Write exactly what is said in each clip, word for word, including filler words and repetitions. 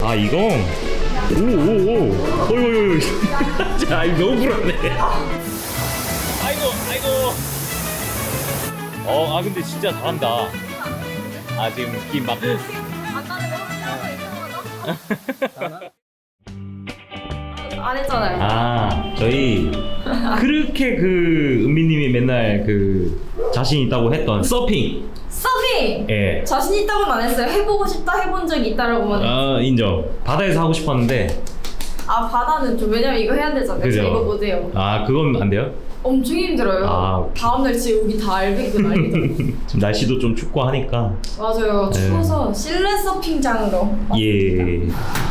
아 이거? 오오오 어이구 자 이거 너무 불안해. 아이고 아이고 어 아 근데 진짜 잘한다. 아 지금 느낌 막 안 했잖아요. 아 저희 그렇게 그 은비님이 맨날 그 자신 있다고 했던 서핑. 서핑! 예. 자신 있다고는 안 했어요. 해보고 싶다 해본 적이 있다라고만 했어요. 아 인정. 바다에서 하고 싶었는데. 아 바다는 좀 왜냐면 이거 해야 되잖아요. 그죠? 이거 못해요. 아 그건 안 돼요? 엄청 힘들어요. 아. 다음날 진짜 여기 다 알배기고 난리죠. 지금 날씨도 좀 춥고 하니까. 맞아요. 네. 추워서 실내 서핑장으로. 예.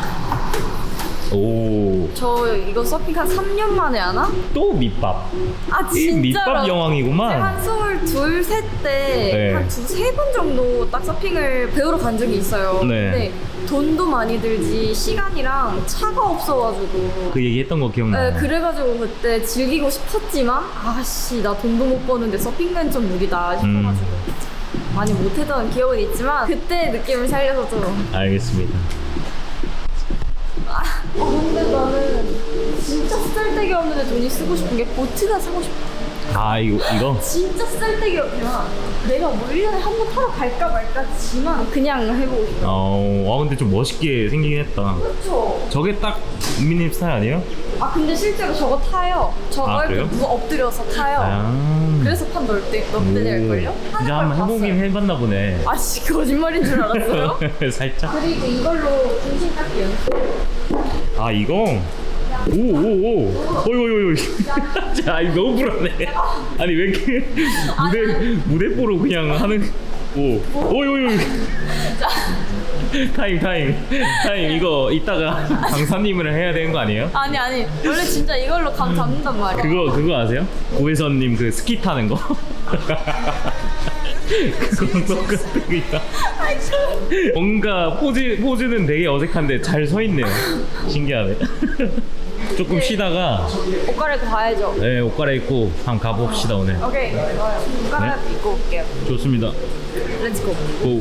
오. 저 이거 서핑 한 삼 년 만에 하나? 또 밑밥. 아 이 진짜로? 밑밥 여왕이구만. 한 스물둘, 셋 때 네. 한 두세 번 정도 딱 서핑을 배우러 간 적이 있어요. 네. 근데 돈도 많이 들지 시간이랑 차가 없어가지고 그 얘기 했던 거 기억나요? 네, 그래가지고 그때 즐기고 싶었지만 아씨 나 돈도 못 버는데 서핑은 좀 무리다 싶어가지고 음. 많이 못했던 기억은 있지만 그때 느낌을 살려서 좀 알겠습니다. 어, 근데 나는 진짜 쓸데기 없는데 돈이 쓰고 싶은 게 보트가 사고 싶어. 아 이거 이거? 진짜 쓸데기 없지만 내가 뭐 일 년에 한 번 타러 갈까 말까지만 그냥 해보고 싶어. 어, 와 근데 좀 멋있게 생기긴 했다. 그쵸? 저게 딱 은비님 스타일 아니에요? 아 근데 실제로 저거 타요. 저걸 아, 그래요? 누가 엎드려서 타요. 아. 그래서 판 넓대, 넓대 될걸요? 이제 한번 해보긴 해봤나 보네. 아씨 거짓말인 줄 알았어요? 살짝. 그리고 이걸로 중심 닦기 연습. 아 이거? 오오오 어이구 자 이거 너무 불안해. 아니 왜 이렇게 무대 무대뽀로 그냥 하는. 오 어이구 타임 타임 타임 이거 이따가 강사님을 해야 되는 거 아니에요? 아니 아니 원래 진짜 이걸로 감 잡는단 말이야. 그거 그거 아세요? 고혜선님 그 스키 타는 거? 그거랑 똑같은 거야. 뭔가 포즈 포즈는 되게 어색한데 잘 서 있네요. 신기하네. 조금 쉬다가 옷 갈아입고 가야죠. 네, 옷 갈아입고 한번 가봅시다 오늘. 오케이 좋아요. 옷 갈아입고 올게요. 좋습니다. 렛츠고. 고.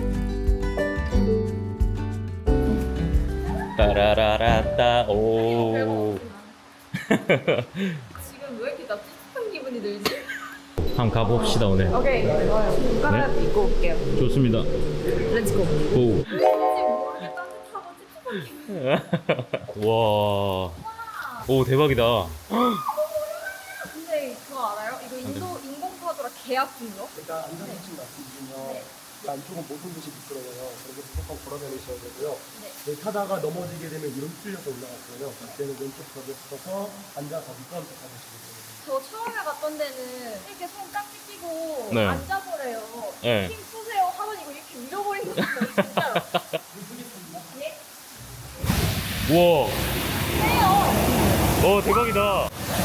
따라라라따 오. 지금 왜 이렇게 나 찝찝한 기분이 들지? 한번 가봅시다 오늘. 오케이 좋아요. 옷 갈아입고 올게요. 좋습니다. 렛츠고. 고. 왠지 모르게 따뜻하고 찝찝한 기분. 와. 오 대박이다. 근데 그거 알아요? 이거 인도 인공파도라 개 아픈 거? 일단 안전수칙 말씀드리면 안쪽은 모든 곳이 미끄러워요. 그래서 무조건 걸어다니셔야 되고요. 네. 타다가 넘어지게 되면 이름 뚫려서 올라갔어요. 그때는 왼쪽 벽에 서서 앉아서 미끄럼틀 타시면 돼요. 저 처음에 갔던 데는 이렇게 손 깍지 끼고 네. 앉아보래요. 네. 힘 푸세요 하면 이거 이렇게 밀어버린 거 같아요. 진짜로. 예? 우와. 해요. 오 대박이다. 와.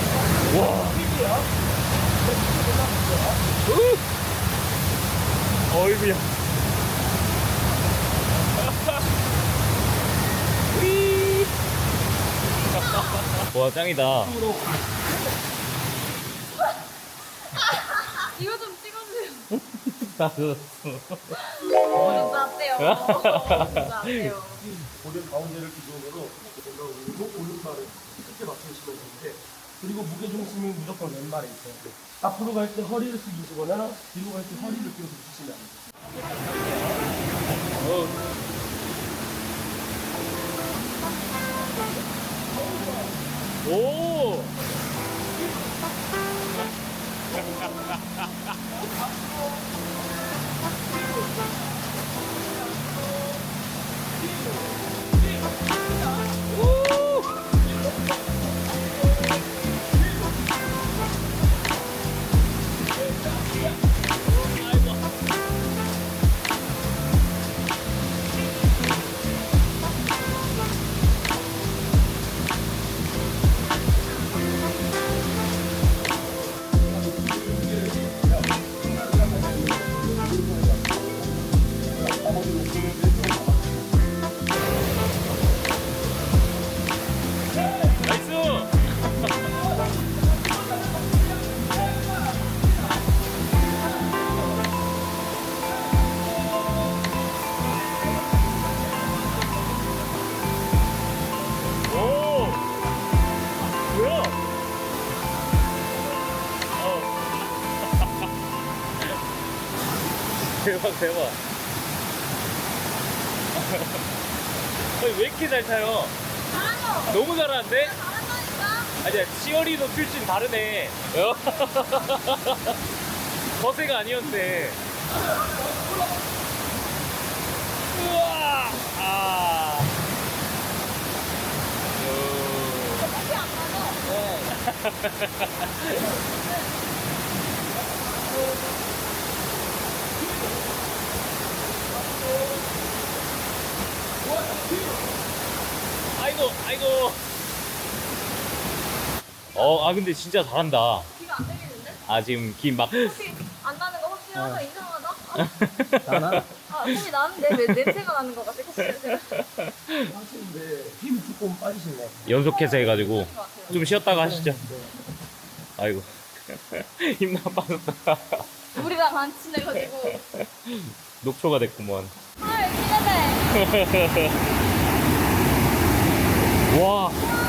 어이구야. 와 짱이다. 이거 좀 찍어주세요. 나도. 어, 진짜 어때요? 진짜 어때요? 고개 가운데를 기준으로 오른쪽 오른발을 크게 맞추시면 되는데 그리고 무게 중심은 무조건 왼발에 있어야 돼요. 앞으로 갈 때 허리를 숙이시거나 뒤로 갈 때 허리를 끼워서 주시면 안 돼요. 오. 대박. 아니, 왜 이렇게 잘 타요? 잘하죠? 너무 잘하는데? 잘한다니까? 아니야, 치어리더 출신 다르네. 어? 거세가 아니었네. 우와! 아. 커피 안 맞아? 아이고, 아이고. 어, 아 근데 진짜 잘한다. 비가 안 되겠는데? 아 지금 김막 커피 안 나는 거 확실하다. 이상하다. 나나? 아, 커피 나는데 왜 냄새가 나는 거 같아? 커피 냄새가. 하시는데 힘이 조금 빠지시네. 연속해서 해가지고 좀 쉬었다가 하시죠. 아이고 힘나 빠졌다. 우리랑 안 친해가지고. 녹초가 됐구먼. 아, 기대돼. 와.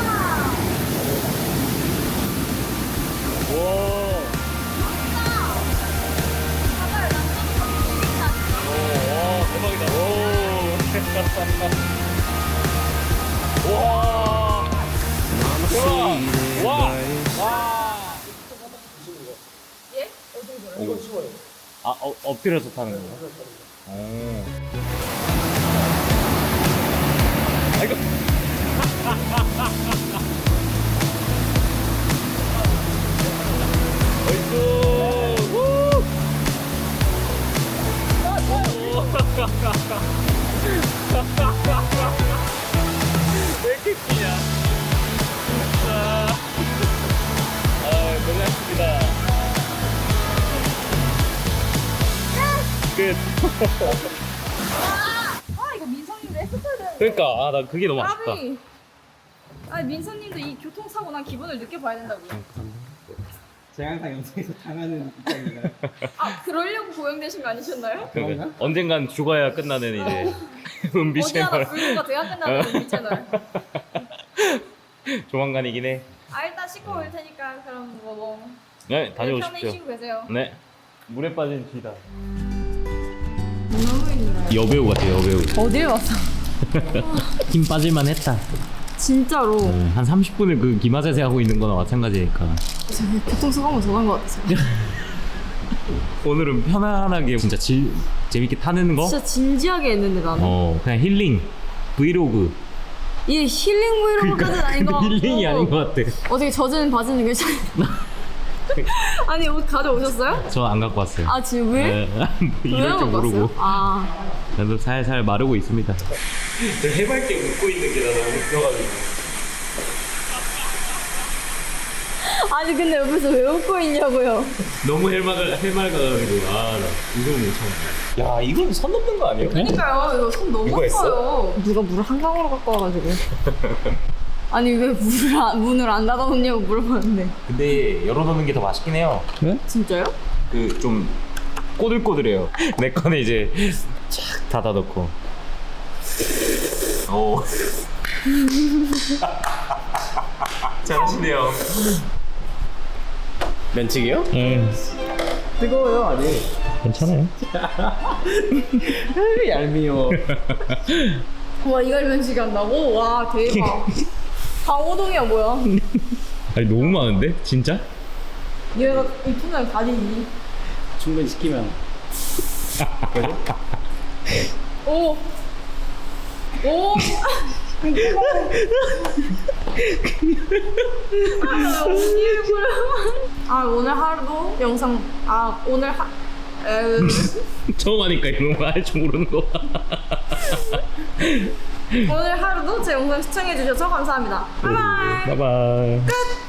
와. 바다를 남자도 재밌다니까. 오, 대박이다. 오. 와. 대박. 와. 와. 예? 어디 이건 쉬워요. 아, 어, 엎드려서 타는 건가? 오. 아이고. 어이구. 우. 왜 이렇게 뛰냐? 아, 아, 고생하셨습니다. 끝. 아, 이거 민성님도 했었어야 되는데. 그러니까 아, 나 그게 너무 아쉽다. 까비. 아니, 민성님도 이 교통사고 난 기분을 느껴봐야 된다고요. 제가 항상 영상에서 당하는 입장인가요? 아, 그러려고 고용되신 거 아니셨나요? 그러니까 언젠간 죽어야 끝나는 이제 은비 어디 하나 채널. 불구가 돼야 끝나는 이 채널. 조만간이긴 해. 아, 일단 씻고 올 테니까 그럼 뭐, 뭐 네, 편히 다녀오십시오. 쉬고 계세요. 네. 물에 빠진 쥐다. 너무 힘들어요. 여배우 같아, 여배우. 어딜 왔어? 힘 빠질만 했다. 진짜로. 한 삼십 분을 그 기마자세 하고 있는 거나 마찬가지니까. 교통사고만 더 난 것 같아요. 오늘은 편안하게 진짜 질, 재밌게 타는 거? 진짜 진지하게 했는데 나는. 어, 그냥 힐링. 브이로그. 이게 힐링 브이로그까지는 아닌 것 같고. 힐링이 아닌 것 같아. 어떻게 젖은 바지는 괜찮아요? 아니, 옷 가져오셨어요? 저 안 갖고 왔어요. 아, 지금 왜? 네, 뭐 왜 이럴 줄 안 갖고 모르고. 왔어요? 아. 나도 살살 마르고 있습니다. 해맑게 웃고 있는 게 나 너무 웃겨가지고. 아니, 근데 옆에서 왜 웃고 있냐고요? 너무 해맑아, 해맑아가지고. 아, 나 이거 못 참아. 야, 이건 선 넘는 거 아니에요? 그러니까요. 이거 손 너무 누가 했어? 아파요. 누가 물을 한강으로 갖고 와가지고. 아니, 왜 물을 안, 문을 안 닫아놓냐고 물어봤는데. 근데 열어놓는 게 더 맛있긴 해요. 진짜요? 그 좀 꼬들꼬들해요. 내 거는 이제 쫙 닫아놓고. 오. 잘하시네요. 면치기요? 응. 뜨거워요 아직. 괜찮아요. 얄미워. 와, 이걸 면식이 한다고? 와, 대박. 강호동이야, 뭐야? 아니 너무 많은데? 진짜? 얘가 이 통장 다리니? 충분히 시키면. 오! 오! 아, 언니 얼굴. 아, 오늘 하루도 영상, 아, 오늘 하, 에, 처음 하니까 이런 거 할 줄 모르는 거. 오늘 하루도 제 영상 시청해주셔서 감사합니다. 바이바이! 바이바이. 끝!